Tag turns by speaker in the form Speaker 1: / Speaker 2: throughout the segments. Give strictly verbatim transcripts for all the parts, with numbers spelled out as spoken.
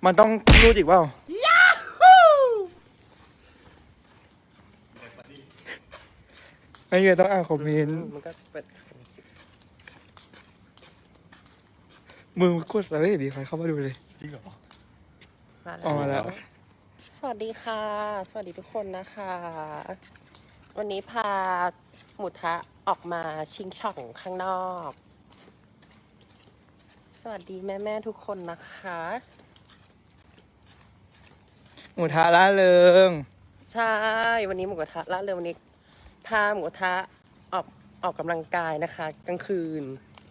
Speaker 1: มันต้องรูดอีกเปล่าไอ้เหี้ยต้องอ่านคอมเมนต์
Speaker 2: มันก็เป็น
Speaker 1: มือกดอะไรดีใครเข้ามาดูเลย
Speaker 3: จริงเหรอ
Speaker 1: ออกมาแล้ว
Speaker 2: สวัสดีค่ะสวัสดีทุกคนนะคะ วันนี้พาหมูทะออกมาชิงช่องข้างนอก สวัสดีแม่แม่ทุกคนนะคะ
Speaker 1: หมูทะล่าเริง
Speaker 2: ใช่วันนี้หมูกระทะละเร็ววันนี้พาหมูกระทะออกออกกำลังกายนะคะกลางคืน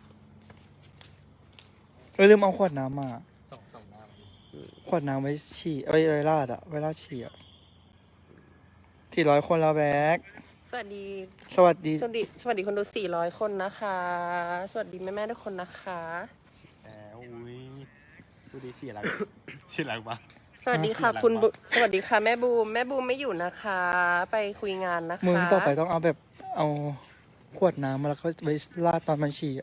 Speaker 1: เออลืมเอาขวดน้ำมา
Speaker 3: ส่งส่งน้
Speaker 1: ขวดน้ำไว้ฉี่ไว้ไว้ราดอะไว้ราดฉี่อะสี่ร้อยคนแล้วแบ็ค
Speaker 2: สวัสดี
Speaker 1: สวัสดี
Speaker 2: สวัสดีสวัสดีคนดูสี่ร้อยคนนะคะ สวัสดีแม่แม่ทุกคนนะคะ
Speaker 3: แอบอุ้ยดูดีฉี่อะไรฉี่อะไรบ้าง
Speaker 2: สวัสดีค่ะคุณสวัสดีค่ะแม่บูมแม่บูมไม่อยู่นะคะ ไปคุยงานนะคะ
Speaker 1: มึงต่อไปต้องเอาแบบเอาขวดน้ำมาแล้วก็ไว้ราดตอนมันฉี่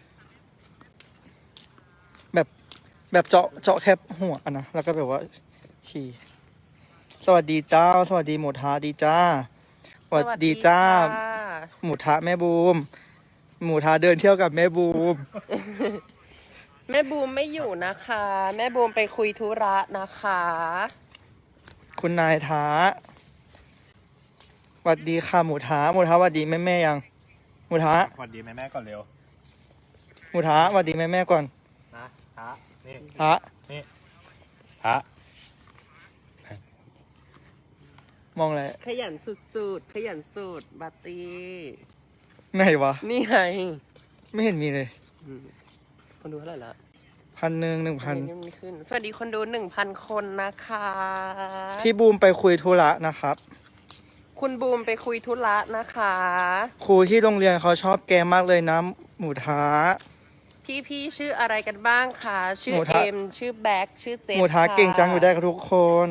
Speaker 1: แบบแบบเจาะเจาะแคบหัวนะแล้วก็แบบว่าฉี่สวัสดีเจ้าสวัสดีหมูทะดีจ้าสวัสดีจ้าหมูทะแม่บูมหมูทะเดินเที่ยวกับแม่บูม
Speaker 2: แม่บูมไม่อยู่นะคะ แม่บูมไปคุยธุระนะคะ
Speaker 1: คุณนายท้าสวัสดีค่ะหมูท้าหมูท้าสวัสดีแม่แม่ยังหมูท้า
Speaker 3: สวัสดีแม่แม่ก่อนเร็ว
Speaker 1: หมูท้าสวัสดีแม่แม่ก่อน
Speaker 3: นะท้านี่
Speaker 1: ท้า
Speaker 3: นี่ท้าม
Speaker 1: องอะไร
Speaker 2: ขยันสุดๆขยันสุดบัตตี้
Speaker 1: ไหนวะ
Speaker 2: นี่ไง
Speaker 1: ไม่เห็นมีเลย
Speaker 2: คนดูเท่าไหร่ละ
Speaker 1: พันหนึ่งหนึ่งพัน
Speaker 2: สวัสดีคนดูหนึ่งพันคนนะคะ
Speaker 1: พี่บูมไปคุยธุระนะครับ
Speaker 2: คุณบูมไปคุยธุระนะคะ
Speaker 1: ครูที่โรงเรียนเขาชอบแกมากเลยนะหมูท้า
Speaker 2: พี่พี่ชื่ออะไรกันบ้างคะชื่อเอ็มชื่อแบ็คชื่อเจฟ
Speaker 1: หมูท้าเก่งจังอยู่ได้กับทุกคน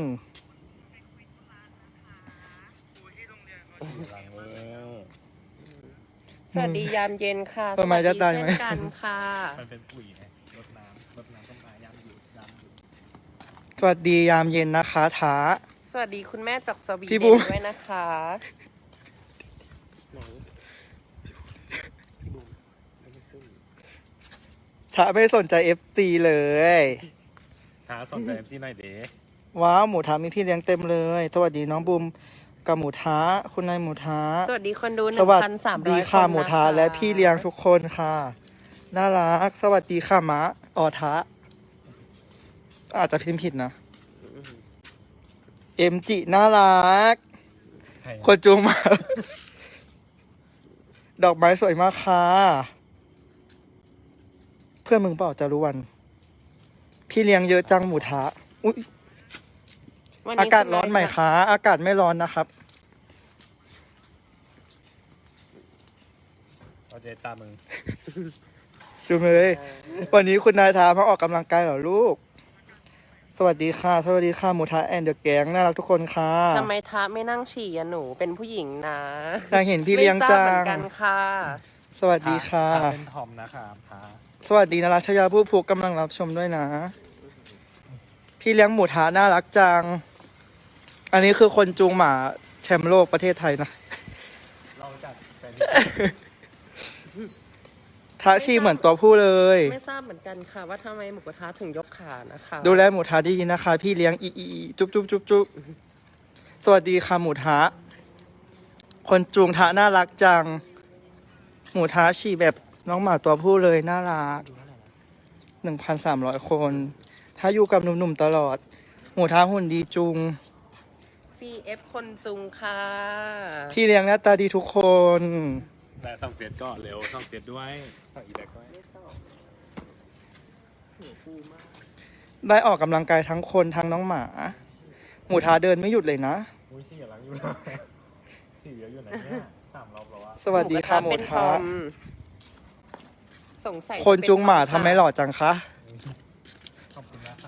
Speaker 2: สวัสดียามเย็นค่ะ
Speaker 1: สวัสดีเช่น
Speaker 2: กันค่ะ
Speaker 3: มันเป็นปุ๋ยไงรดน้ำรดน้ำต้นไม้ยามอยู่ยามอยู่
Speaker 1: สวัสดียามเย็นนะคะท้า
Speaker 2: สวัสดีคุณแม่จากสวีเดนด้วยนะคะ
Speaker 1: ท้าไม่สนใจเอฟซีเลย
Speaker 3: ท้าสนใจเอฟซีหน่อยเด้
Speaker 1: ว้าวหมูท้ามีพี่เลี้ยงเต็มเลยสวัสดีน้องบูมกับหมูท้าคุณนายหมูท้า
Speaker 2: สวัสดีคนดูหนึ่งพันสามร้อยคน
Speaker 1: สวัสดีค่ะหมูท้าและพี่เลี้ยงทุกคนค่ะน่ารักสวัสดีค่ะมะออท้าอาจจะพิมพ์ผิดนะเอ็มจิน่ารักคนจูงมาดอกไม้สวยมากค่ะเพื่อนมึงเปล่าจารุวันพี่เลี้ยงเยอะจังหมูท้าอุ๊ยอากาศร้อนไหมคะอากาศไม่ร้อนนะครับ
Speaker 3: เอาเจตามึง
Speaker 1: จุ๊บเลยวันนี้คุณนายท้ามาออกกำลังกายเหรอลูกสวัสดีค่ะสวัสดีค่ะหมูท้าแอนเดอะแก๊งน่ารักทุกคนค่ะ
Speaker 2: ทำไมท้าไม่นั่งฉี่อะหนูเป็นผู้หญิงนะ
Speaker 1: อยากเห็นพี่เลี้ยงจัง
Speaker 2: เหมือนกันค่ะ
Speaker 1: สวัสดีค่ะ
Speaker 3: เป็นทอมนะครับท้า
Speaker 1: สวัสดีนรัชยาผู้ผูกกำลังรับชมด้วยนะพี่เลี้ยงหมูท้าน่ารักจังอันนี้คือคนจูงหมาแชมป์โลกประเทศไทยนะ
Speaker 3: เราจัดเป็น
Speaker 1: ท้าชีเหมือนตัวผู้เลย
Speaker 2: ไม่ทราบเหมือนกันค่ะว่าทำไมหมูกระทะถึงยกขานะคะ
Speaker 1: ดูแลหมูท้าดีนะคะพี่เลี้ยงอีอีจุ๊บจุ๊บจุ๊บจุ๊บสวัสดีค่ะหมูท้าคนจูงท้าน่ารักจังหมูท้าชีแบบน้องหมาตัวผู้เลยน่ารักหนึ่งพันสามร้อยคนถ้าอยู่กับหนุ่มๆตลอดหมูท้าหุ่นดีจุง
Speaker 2: ซี เอฟ คนจุงค่ะ
Speaker 1: พี่เลี้ยงหน้าตาดีทุกคน
Speaker 3: แต่ส่องเสียดก็เร็วส่องเสียดด้วยส่องอีแบกด้วย
Speaker 1: ได้ออกกำลังกายทั้งคนทั้งน้องหมาหมูท้าเดินไม่หยุดเลยนะ
Speaker 3: อุ้ยฉี่หลังอยู่นะฉี่เยอะอยู่ไหนเนี่ยสามรอบแล้วอะ
Speaker 1: สวัสดีค่ะหมูท้า
Speaker 2: สงสัย
Speaker 1: คนจุงหมาทำไมหล่อจังคะ
Speaker 3: ขอบคุณนะครับ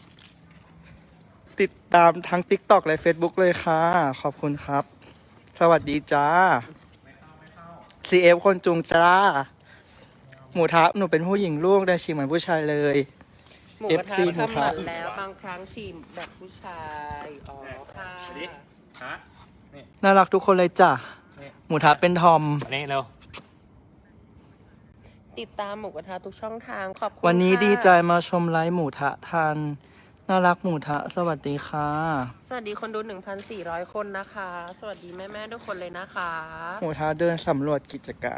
Speaker 1: ติดตามทั้ง ติ๊กต็อก และ เฟซบุ๊ก เลยค่ะขอบคุณครับสวัสดีจ้า ซี เอฟ คนจุงจ้าหมูท้าหนูเป็นผู้หญิงลูกแต่ฉี่เหมือนผู้ชายเลย
Speaker 2: หมูกระทะ
Speaker 1: เอฟซี หมูทะ
Speaker 2: ทำหมันแล้วบางครั้งชิมแบบผู้ชายอ๋อค่ะ
Speaker 3: สวัสดีฮะ
Speaker 1: น่ารักทุกคนเลยจ้ะ
Speaker 3: นี่
Speaker 1: หมูทะเป็นทอม
Speaker 3: อันนี้เร็ว
Speaker 2: ติดตามหมูกระทะทุกช่องทางขอบคุณ
Speaker 1: วันนี้
Speaker 2: ค่ะ
Speaker 1: ดีใจมาชมไลฟ์หมูทะทานน่ารักหมูทะสวัสดีค่ะ
Speaker 2: สวัสดีคนดู หนึ่งพันสี่ร้อย คนนะคะ สวัสดีแม่ๆทุกคนเลยนะคะ
Speaker 1: หมูทะเดินสำรวจกิจการ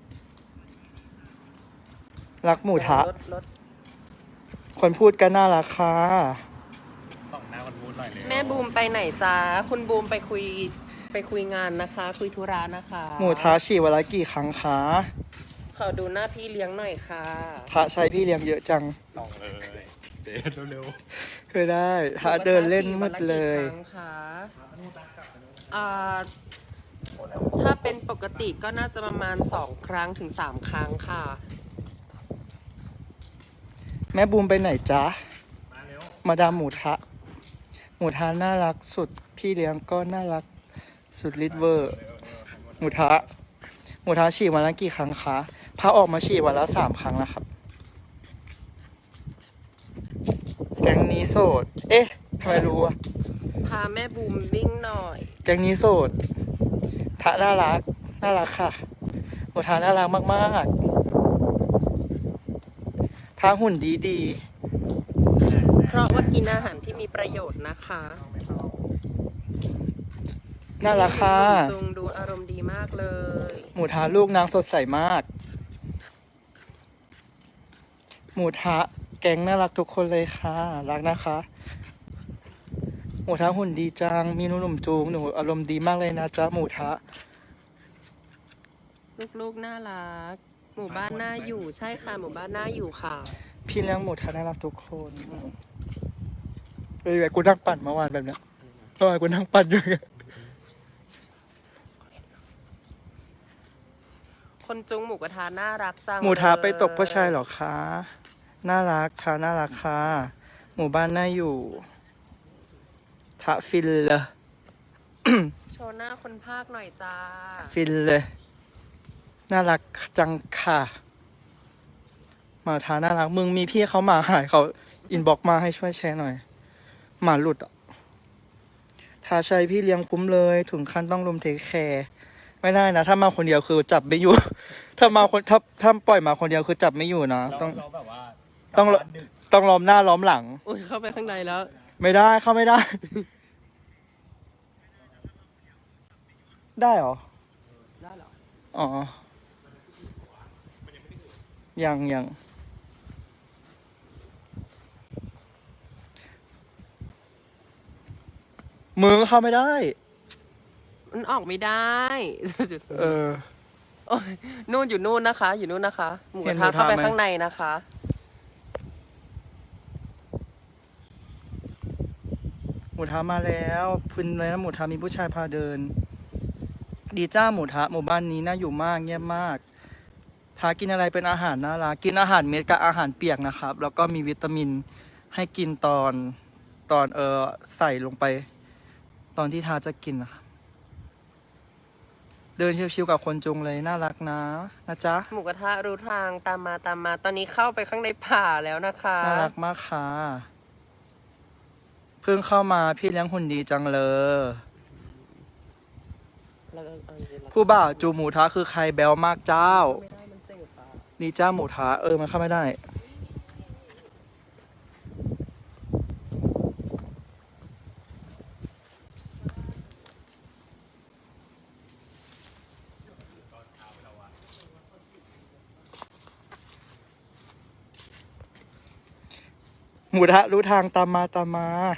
Speaker 1: รักหมูทะ
Speaker 2: รถรถ
Speaker 1: คนพูดกันน่ารักค่ะ
Speaker 3: ส่องหน้าคนพูดหน่อยเลย
Speaker 2: แม่บูมไปไหนจ้าคุณบูมไปคุยไปคุยงานนะคะ คุยธุระนะคะ
Speaker 1: หมูทะฉี่วันละกี่ครั้งคะ
Speaker 2: ขอดูหน้าพี่เลี้ยงหน่อยค่ะ
Speaker 1: ทะใช้พี่เลี้ยงเยอะจัง
Speaker 3: ส่องเลยเจ๊เร็ว
Speaker 1: เคยได้ทะเดินเล่นมืดเลย
Speaker 2: หมูกระทะฉี่วันละกี่ครั้งคะอ่าถ้าเป็นปกติก็น่าจะประมาณสองครั้งถึงสามครั้งค่ะ
Speaker 1: แม่บูมไปไหนจ๊ะ
Speaker 3: ๆมาเร็ว
Speaker 1: มาดามหมูทะ หมูทะน่ารักสุด พี่เลี้ยงก็น่ารักสุดลิทเวอร์ หมูทะ หมูทะฉี่วันละกี่ครั้งคะพาออกมาฉี่วันละสามครั้งแล้วครับ แก๊งนี้โสด เอ๊ะทำไมรู้อะ
Speaker 2: พาแม่บูมวิ่งหน่อย
Speaker 1: แก๊งนี้โสด ทะน่ารัก น่ารักค่ะ หมูทะน่ารักมากๆทะหุ่นดีดี
Speaker 2: เพราะว่ากินอาหารที่มีประโยชน์นะคะ
Speaker 1: ๆน่ารักค่ะ
Speaker 2: จุงดูอารมณ์ดีมากเลย
Speaker 1: หมูทะลูกนางสดใสมาก หมูทะแก๊งน่ารักทุกคนเลยค่ะ รักนะคะ หมูทะหุ่นดีจัง มีหนุ่มๆจูงหนูอารมณ์ดีมากเลยนะจ๊ะหมูทะ
Speaker 2: ลูกๆน่ารัก หมู่บ้านน่าอยู่ใช่ค่ะหมู่บ้านน่าอยู่ค่ะ
Speaker 1: พี่เลี้ยงหมูทะน่ารักทุกคนเอ้ยกูนั่งปั่นเมื่อวานแบบเนี้ยเมื่อวานกูนั่งปั่นอยู่
Speaker 2: คนจุงหมูกระทะน่ารักจัง
Speaker 1: หมูทะไปตก
Speaker 2: เลย
Speaker 1: ผู้ชายเหรอคะ น่ารักค่ะน่ารักค่ะ หมู่บ้านน่าอยู่ ทะฟินเลย
Speaker 2: โชว์หน้าคนภาคหน่อยจ้า
Speaker 1: ฟินเลย น่ารักจังค่ะหมาทาน่ารัก มึงมีพี่เขาหมาหายเขาอินบ็อกมาให้ช่วยแชร์หน่อย หมาหลุดอ่ะทาชัยพี่เลี้ยงคุ้มเลย ถึงขั้นต้องรุมเทคแคร์ไม่ได้นะ ถ้ามาคนเดียวคือจับไม่อยู่ ถ้ามาคนถ้าถ้าปล่อยมาคนเดียวคือจับไม่อยู่นะ
Speaker 3: เรา
Speaker 1: ต้อง
Speaker 3: เราแบบว่า
Speaker 1: ต้อง
Speaker 3: กลับบ้านดึก
Speaker 1: ต้องล้อมหน้าล้อมหลัง
Speaker 2: อุ้ยเข้าไปข้างในแล้ว
Speaker 1: ไม่ได้เข้าไม่ได้ ได้เหรอ
Speaker 2: ได้เหรอ
Speaker 1: อ๋อ ยังยังมือเข้าไม่ได้
Speaker 2: มันออกไม่ได้
Speaker 1: เออ
Speaker 2: โอ้ยนู่นอยู่นู่นนะคะ อยู่นู่นนะคะ หมูก
Speaker 1: เห็
Speaker 2: ระ
Speaker 1: นหมู
Speaker 2: ทะ
Speaker 1: ทะ
Speaker 2: เข้าไป
Speaker 1: ไหม
Speaker 2: ข้างในนะคะ
Speaker 1: หมูทะมาแล้วฟินเลยนะหมูทะมีผู้ชายพาเดิน ดีจ้าหมูทะหมู่บ้านนี้น่าอยู่มากเงียบมากทากินอะไรเป็นอาหารน่ารักกินอาหารเม็ดกับอาหารเปียกนะครับ แล้วก็มีวิตามินให้กินตอนตอนเออใส่ลงไป ตอนที่ทาจะกินนะครับเดินชิวๆกับคนจุงเลยน่ารักนะนะจ๊ะ
Speaker 2: หมูกระทะรู้ทางตามมาตามมา ตอนนี้เข้าไปข้างในป่าแล้วนะคะ
Speaker 1: น่ารักมากค่ะ เพิ่งเข้ามาพี่เลี้ยงหุ่นดีจังเลย
Speaker 2: แล้วก็เอาอย่างนี้แล้ว
Speaker 1: ผู้บ่าวจูหมูทะคือใครแบลมากเจ้า
Speaker 2: ไม่ได้มันเจ็บอ่ะ
Speaker 1: ดีจ้าหมูทะเออมันเข้าไม่ได้ หมูทะรู้ทางตามมาตามมา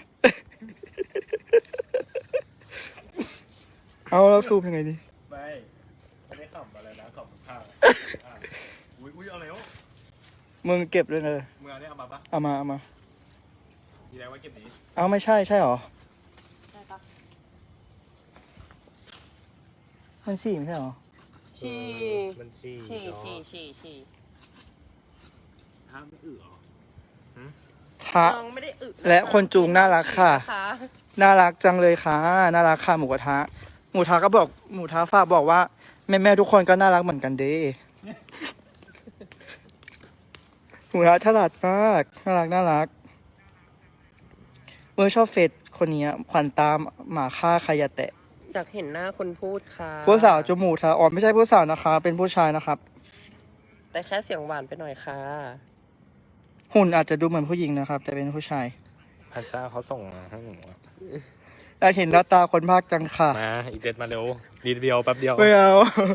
Speaker 1: เอาเราซูมยังไงดี
Speaker 3: ไม่ไม่ได้ขับอะไรนะขับข้างอุ้ยอุ้ยเอาแล้ว
Speaker 1: มึงเก็บเลยเลย
Speaker 3: มึงเอาเนี่ยเอามาปะ
Speaker 1: เอามาเอามา
Speaker 3: ทีแรกว่าเก็บนี้
Speaker 1: เอาไม่ใช่ใช่หรอ
Speaker 2: ได้ปะ
Speaker 1: มันสี่ไม่ใช่หรอ
Speaker 2: ฉี่
Speaker 3: มันฉี่
Speaker 2: ฉี่ฉี่ฉี่ฉี่
Speaker 3: ถ้าไม่อึเหรอ
Speaker 1: ทะ
Speaker 2: น้องไม่ได้อึ
Speaker 1: และคนจูงน่ารักค่ะ
Speaker 2: น
Speaker 1: น่ารักจังเลยค่ะ น่ารักค่ะหมูกระทะ หมูทะก็บอกหมูทะฝากบอกว่าแม่แม่ๆทุกคนก็น่ารักเหมือนกันเด้หมูทะฉลาดมากน่ารักน่ารักเมื่อชอบเฟซคนนี้ขวัญตามหมาฆ่าใครอย่าแตะ
Speaker 2: อยากเห็นหน้าคนพูดค่ะ
Speaker 1: ผู้สาวจมูกทะอ๋อไม่ใช่ผู้สาวนะคะ เป็นผู้ชายนะครับ
Speaker 2: แต่แค่เสียงหวานไปหน่อยค่ะ
Speaker 1: หุ่นอาจจะดูเหมือนผู้หญิงนะครับ แต่เป็นผู้ชาย
Speaker 3: พันซ่าเขาส่งมาให้หนูอะ
Speaker 1: อยากเห็นหน้าตาคนภาคจังค่ะ
Speaker 3: มาอีเจ็ดมาเร็วรีเดียวแป๊บเดียว
Speaker 1: ไม่เอา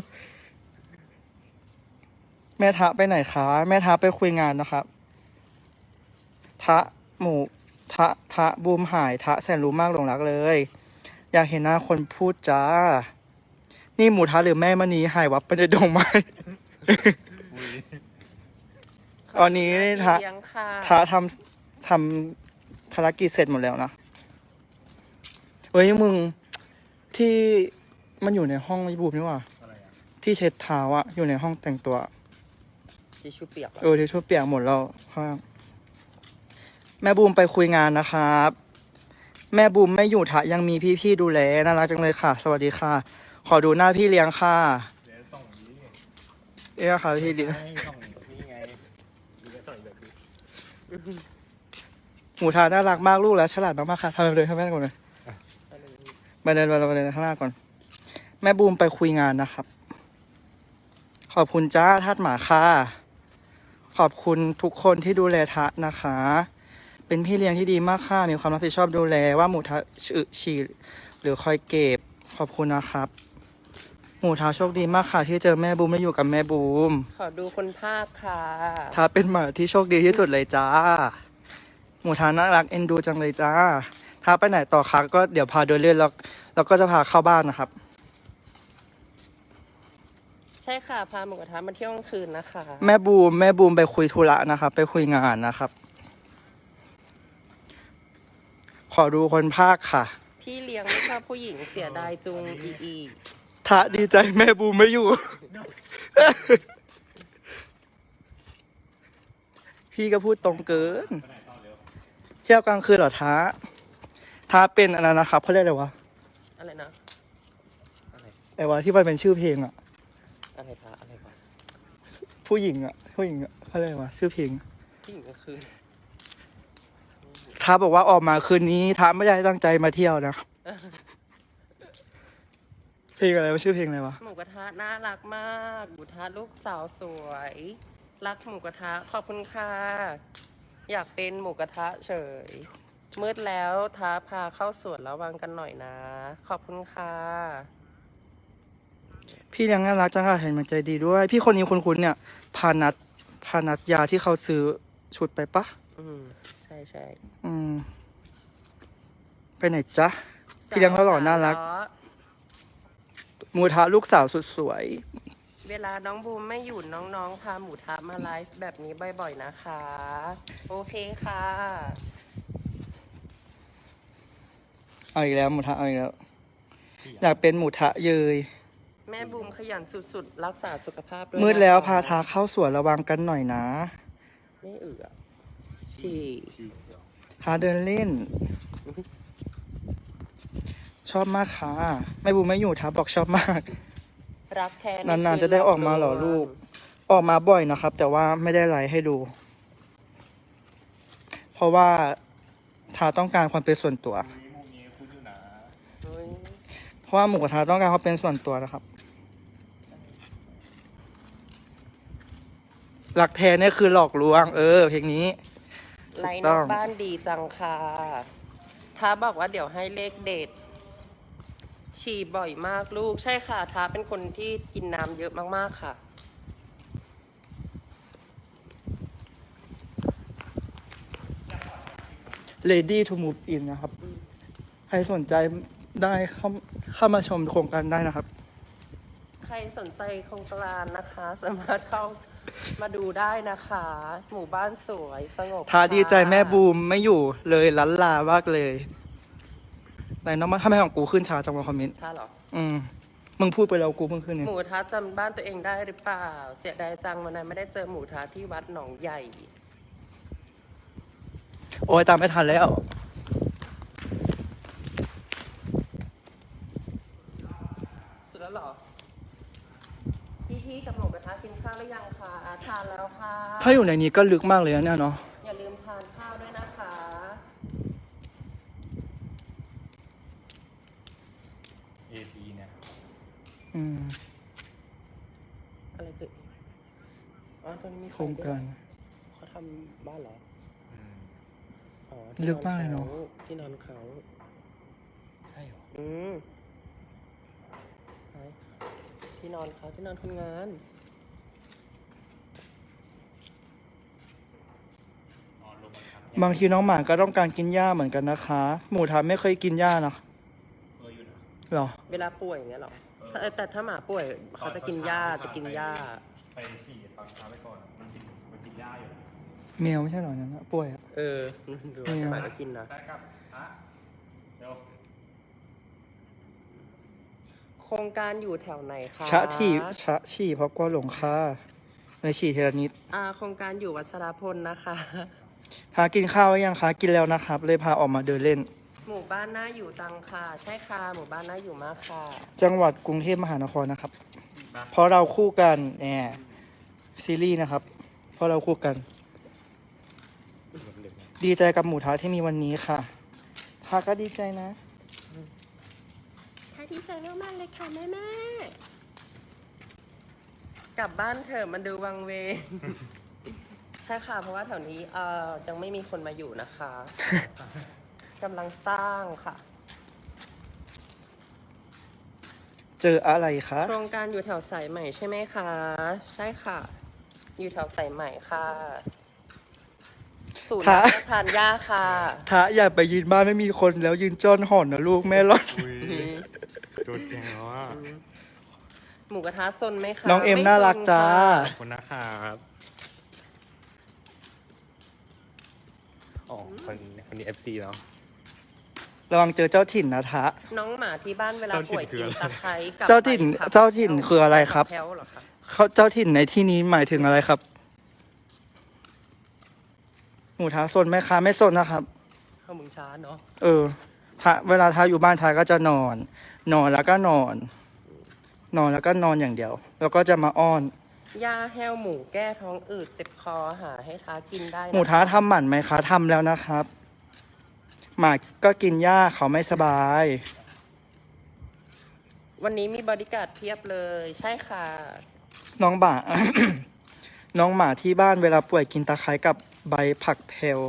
Speaker 1: แม่ทะไปไหนคะ แม่ทะไปคุยงานนะครับ ทะหมูทะทะบูมหายทะแสนรู้มากหลงรักเลย อยากเห็นหน้าคนพูดจ้า นี่หมูทะหรือแม่มณีหายวับไปในดงไม้ ตอนนี้ทะ
Speaker 2: เลี้ยงค่ะ
Speaker 1: ทะทำทำภารกิจเสร็จหมดแล้วนะเฮ้ยมึงที่มันอยู่ในห้องไอ้บูมนี่หว่า
Speaker 3: อะไรอะ
Speaker 1: ที่เช็ดเท้าอะอยู่ในห้องแต่งตัว
Speaker 2: จิชูเปียกเหรอ
Speaker 1: เออที่ช่วยเปียกหมดแล้วข้างแม่บูมไปคุยงานนะครับ แม่บูมไม่อยู่ทะยังมีพี่ๆดูแลน่ารักจังเลยค่ะ สวัสดีค่ะ ขอดูหน้าพี่เลี้ยงค่ะ
Speaker 3: เดี๋ยวส่งนี้
Speaker 1: เอ๊ะค่ะพี่เลี้ยง
Speaker 3: ให้ส่งนี่ไงเดี๋ยวส่งอีกแบบนี้
Speaker 1: หมูทาน่ารักมากลูกแล้วฉลาดมากๆค่ะทำไปเลยทำไปเลยก่อนเลยมาเดินมาเราไปเดินข้างหน้าก่อน แม่บูมไปคุยงานนะครับ ขอบคุณจ้าทาสหมาค่ะ ขอบคุณทุกคนที่ดูแลทะนะคะ เป็นพี่เลี้ยงที่ดีมากค่ะ มีความรับผิดชอบดูแลว่าหมูทะอึฉี่หรือคอยเก็บ ขอบคุณนะครับ หมูทาโชคดีมากค่ะ ที่เจอแม่บูมและอยู่กับแม่บูม
Speaker 2: ขอดูคนภาคค่ะ
Speaker 1: ทาเป็นหมาที่โชคดีที่สุดเลยจ้า หมูทาน่ารักเอ็นดูจังเลยจ้าทาไปไหนต่อคะก็เดี๋ยวพาเดินเล่นแล้วแล้วก็จะพาเข้าบ้านนะครับ
Speaker 2: ใช่ค่ะ พาหมูกระทะมาเที่ยวกลางคืนนะคะ
Speaker 1: แม่บูมแม่บูมไปคุยธุระนะครับ ไปคุยงานนะครับ ขอดูคนภาคค่ะ
Speaker 2: พี่เลี้ยงไม่ชอบผู้หญิงเสียดายจุงอีอี
Speaker 1: ทะดีใจแม่บูมไม่อยู่ พี่ก็พูดตรงเกิน เที่ยวกลางคืนเหรอท้าท้าเป็นอะไรนะครับเขาเรียกอะไรวะ
Speaker 2: อะไรนะ
Speaker 1: ไอ้วะที่มันเป็นชื่อเพลงอะ
Speaker 2: อะไรพระอะไรพระ
Speaker 1: ผู้หญิงอะผู้หญิงอะเขาเรียกอะไรวะชื่อเพลง
Speaker 2: ผู้หญิงกลางคืน
Speaker 1: ท้าบอกว่าออกมาคืนนี้ท้าไม่ได้ตั้งใจมาเที่ยวนะ เพลงอะไรวะชื่อเพลงอะไรวะ
Speaker 2: หมูกระทะน่ารักมากหมูกระทะลูกสาวสวย รักหมูกระทะขอบคุณค่ะ อยากเป็นหมูกระทะเฉย มืดแล้วท้าพาเข้าสวนระวังกันหน่อยนะ ขอบคุณค่ะ
Speaker 1: พี่เลี้ยงน่ารักจังค่ะเห็นมันใจดีด้วย พี่คนนี้คุ้นๆเนี่ย พานัทพานัทยาที่เขาซื้อชุดไปปะ
Speaker 2: อืมใช่ใช่
Speaker 1: อืม ไปไหนจ๊ะ พี่เลี้ยงเขาหล่อน่ารัก
Speaker 2: สวขาล้อ
Speaker 1: หมูทะลูกสาวสุดสวย
Speaker 2: เวลาน้องบูมไม่อยู่น้องๆ พาหมูทะมาไลฟ์แบบนี้บ่อยๆนะคะ โอเคค่ะ
Speaker 1: เอาอีกแล้วหมูทะเอาอีกแล้ว อยากเป็นหมูทะเยย
Speaker 2: แม่บูมขยันสุดๆ รักษาสุขภาพด้วย
Speaker 1: มืดแล้ว
Speaker 2: นะคะ
Speaker 1: พาทาเข้าสวนระวังกันหน่อยนะ
Speaker 2: ไม่เอือที่
Speaker 1: ทาเดินเล่น ชอบมากค่ะไม่บูมไม่อยู่ทาบอกชอบมาก
Speaker 2: รักแท้
Speaker 1: นานๆจะได้ออกมาเหรอลูก ออกมาบ่อยนะครับ แต่ว่าไม่ได้ไลฟ์ให้ดู เพราะว่าทาต้องการความเป็นส่วนตัว
Speaker 3: มุมนี้คุณอยู่นะ
Speaker 2: เฮ้ย
Speaker 1: เพราะว่าหมูกระทะต้องการความเป็นส่วนตัวนะครับหลักแท้เนี่ยคือหลอกลวง เออ เพลงนี้
Speaker 2: ไลน์
Speaker 1: ถูกต้
Speaker 2: น
Speaker 1: อ
Speaker 2: อง กบ้านดีจังค่ะท้าบอกว่าเดี๋ยวให้เลขเด็ด ฉี่บ่อยมากลูก ใช่ค่ะท้าเป็นคนที่กินน้ำเยอะมากๆค่ะ
Speaker 1: Ready to move in นะครับ ใครสนใจได้เข้าเข้ามาชมโครงการได้นะครับ
Speaker 2: ใครสนใจโครงการนะคะ สามารถเข้ามาดูได้นะคะ หมู่บ้านสวยสงบ
Speaker 1: ทาดีใจ
Speaker 2: ค่ะ
Speaker 1: แม่บูมไม่อยู่เลยลันลามากเลยไหนน้องมาทำไมของกูขึ้นช้าจังวะคอมเมนต์
Speaker 2: ใช่เหรอ
Speaker 1: อืม มึงพูดไปแล้วกูเพิ่งขึ้นเนี่ย
Speaker 2: หมูทะจำบ้านตัวเองได้หรือเปล่า เสียดายจังวันนั้นไม่ได้เจอหมูทะที่วัดหนองใหญ่
Speaker 1: โอ้ยตามไม่ทันแล้ว
Speaker 2: สุดแล้วเหรอ พี่เพพี่ๆกับหมูกระทะกินข้าวหรือยังคะทานแล้วค่ะ
Speaker 1: ถ้าอยู่ในนี้ก็ลึกมากเลยนะเนี่ยเนาะ
Speaker 2: อย่าลืมทานข้าวด้วยนะคะ
Speaker 3: เอทีเนี่ย
Speaker 1: อืม
Speaker 2: อะไรคืออ๋อตอนนี้มี
Speaker 1: โครงการ
Speaker 2: เขาทำบ้านเหรอ
Speaker 3: อืม
Speaker 2: อ๋อ
Speaker 1: ลึกมากเลยเนอะ
Speaker 2: ที่นอนเขา
Speaker 3: ใช่เหรอ
Speaker 2: อืมไหนที่นอนเขาที่นอนคนงาน
Speaker 3: อ๋อลงมาทำ
Speaker 1: บางทีน้องหมาก็ต้องการกินหญ้าเหมือนกันนะคะ หมูทาไม่เคยกินหญ้านะ
Speaker 3: เอออยู่นะ
Speaker 1: หรอ
Speaker 2: เวลาป่วยอย่างเงี้ยเหรอถ้าแต่ถ้าหมาป่วยเขาจะกินหญ้าจะกินหญ้า
Speaker 3: ไปฉี่ตอนเช้าไปก่อนมันกินมันกินหญ้าอยู่
Speaker 1: แมวไม่ใช่หรอนั้นนะป่วยอะ
Speaker 2: เออดูว่าหมาก็กินนะ
Speaker 3: ได้ครับอ่ะเดี๋ยว
Speaker 2: โครงการอยู่แถวไหนคะ
Speaker 1: ชะที่ชะฉี่เพราะกลัวหลงค่าเลยฉี่เทละนิด
Speaker 2: อ่าโครงการอยู่วัชรพลนะคะ
Speaker 1: ทากินข้าวหรือยังคะ กินแล้วนะครับ เลยพาออกมาเดินเล่น
Speaker 2: หมู่บ้านน่าอยู่จังค่ะ ใช่ค่ะ หมู่บ้านน่าอยู่มากค่ะ
Speaker 1: จังหวัดกรุงเทพมหานครนะครับ เพราะเราคู่กันแหมซีรีส์นะครับ เพราะเราคู่กัน ดีใจกับหมูทะที่มีวันนี้ค่ะทาก็ดีใจนะ
Speaker 2: ค่ะดีใจมากๆเลยค่ะแม่แม่กลับบ้านเถอะมันดูวังเวง ใช่ค่ะ เพราะว่าแถวนี้เอ่อยังไม่มีคนมาอยู่นะคะกำลังสร้างค่ะ
Speaker 1: เจออะไรคะ
Speaker 2: โครงการอยู่แถวสายใหม่ใช่ไหมคะ ใช่ค่ะ อยู่แถวสายใหม่ค่ะ ศูนย์
Speaker 1: ฮะ
Speaker 2: รับประทานยาค่ะ
Speaker 1: ทะอย่าไปยืนบ้านไม่มีคนแล้วยืนจ้อนห่อนนะลูกแม่รอด
Speaker 3: อุ้ยโดนแกงแล้วอ่ะ
Speaker 2: หมูกระทะซนไหมคะ
Speaker 1: น้องเอ็ม
Speaker 2: ไซ
Speaker 1: น่ารักจ้า
Speaker 2: ค่ะ
Speaker 3: ขอบคุณนะครับอ๋อคนคนนี้เอฟซีแล้ว
Speaker 1: ระวังเจอเจ้าถิ่นนะทะ
Speaker 2: น้องหมาที่บ้านเวลา
Speaker 3: เจ้าถิ่น
Speaker 2: ป่วย
Speaker 3: คือ
Speaker 2: กิน
Speaker 3: อะไร
Speaker 2: ตะไคร้กับ
Speaker 1: เจ้าถิ่น
Speaker 2: ใบผัก
Speaker 1: เจ้าถิ่นคืออะไรครับ
Speaker 2: แพ้วเหรอคะ
Speaker 1: เขาเจ้าถิ่นในที่นี้หมายถึงอะไรครับ หมูทาซนไหมคะไม่ซนนะครับ
Speaker 2: เข้ามึงช้าเนาะ
Speaker 1: เออทาเวลาทาอยู่บ้านทาก็จะนอน นอนแล้วก็นอน นอนแล้วก็นอนอย่างเดียว แล้วก็จะมาอ้อน
Speaker 2: ยาแห้วหมูแก้ท้องอืดเจ็บคอหาให้ท้ากินได้นะ
Speaker 1: หมูท้าทำหมันไหมคะทำแล้วนะครับ หมาก็กินหญ้าเขาไม่สบาย
Speaker 2: วันนี้มีบริการดเพียบเลย ใช่ค่ะ
Speaker 1: น้องบ่า น้องหมาที่บ้านเวลาป่วยกินตะไคร้กับใบผักเพล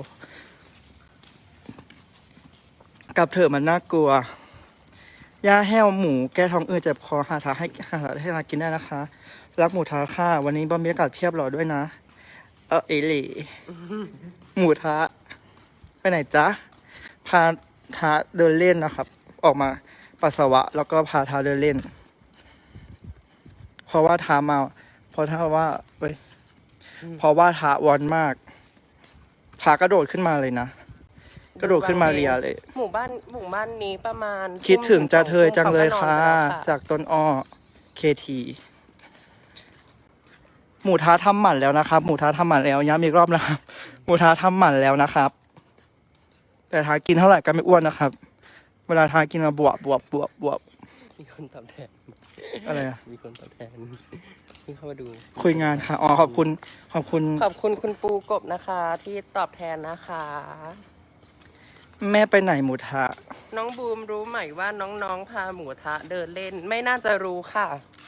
Speaker 1: กับเถอะมันน่ากลัวหญ้าแห้วหมูแก้ท้องอืดเจ็บคอหาทาให้หาให้ทากินได้นะคะ รักหมูท้าค่ะ วันนี้บรรยากาศเพียบหรอด้วยนะ เออเอหลี่ หมูท้าไปไหนจ๊ะ พาท้าเดินเล่นนะครับ ออกมาปัสสาวะ แล้วก็พาท้าเดินเล่น เพราะว่าท้ามาเพราะถ้าว่าเว้ยเพราะว่าท้าวอนมากพากระโดดขึ้นมาเลยนะ กระโดดขึ้นมาเรียเลย
Speaker 2: หมู่บ้านหมู่บ้านนี้ประมาณ
Speaker 1: คิดถึงจะเธอจังเลย
Speaker 2: ทุ่ม
Speaker 1: ค่ะ
Speaker 2: เขาก็นอนไปแล้ว
Speaker 1: จากต้นอ้อเคทีหมูท้าทำหมันแล้วนะครับ หมูท้าทำหมันแล้วย้ำอีกรอบนะครับ หมูท้าทำหมันแล้วนะครับ แต่ท้ากินเท่าไหร่ก็ไม่อ้วนนะครับ เวลาท้ากินมาบวบบวบบวบบวบ
Speaker 2: มีคนตอบแทน
Speaker 1: อะไรอะ
Speaker 2: มีคนตอบแทนที่เข้ามาดู
Speaker 1: คุยงานค่ะอ๋อขอบคุณขอบคุณ
Speaker 2: ขอบคุณคุณปูกบนะคะ ที่ตอบแทนนะคะ
Speaker 1: แม่ไปไหนหมูท้า
Speaker 2: น้องบูมรู้ไหมว่าน้องๆพาหมูทะเดินเล่น ไม่น่าจะรู้ค่ะ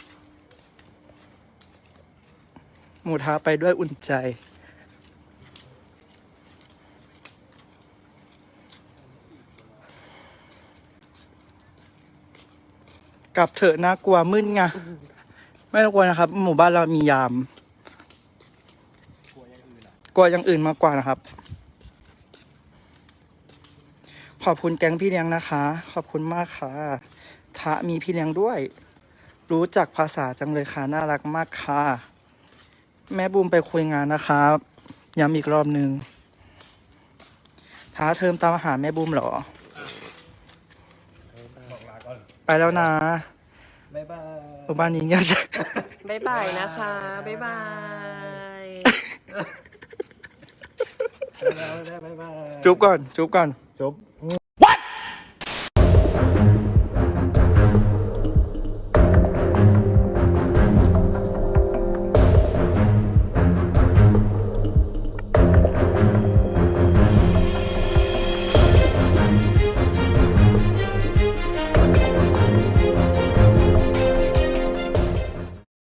Speaker 1: หมูท้าไปด้วยอุ่นใจ กลับเถอะน่ากลัวมึนไงไม่ต้องกลัวนะครับ หมู่บ้านเรามียาม กลัวอย่างอื่นมากกว่านะครับ ขอบคุณแก๊งพี่เลี้ยงนะคะ ขอบคุณมากค่ะทะมีพี่เลี้ยงด้วย รู้จักภาษาจังเลยค่ะน่ารักมากค่ะ แม่บูมไปคุยงานนะครับย้ำอีกรอบหนึ่งท้าเทอมตามหาแม่บูมเหรอ
Speaker 3: บอกลาก่อน
Speaker 1: ไปแล้วนะ
Speaker 3: บ๊ายบาย
Speaker 1: หมู่บ้านนี้เงียบจัง
Speaker 2: บ๊ายบายนะคะ บ๊ายบาย
Speaker 3: บ๊ายบายบ๊ายบาย
Speaker 1: จุ๊บก่อน จุ๊บก่อน
Speaker 3: จุ๊บ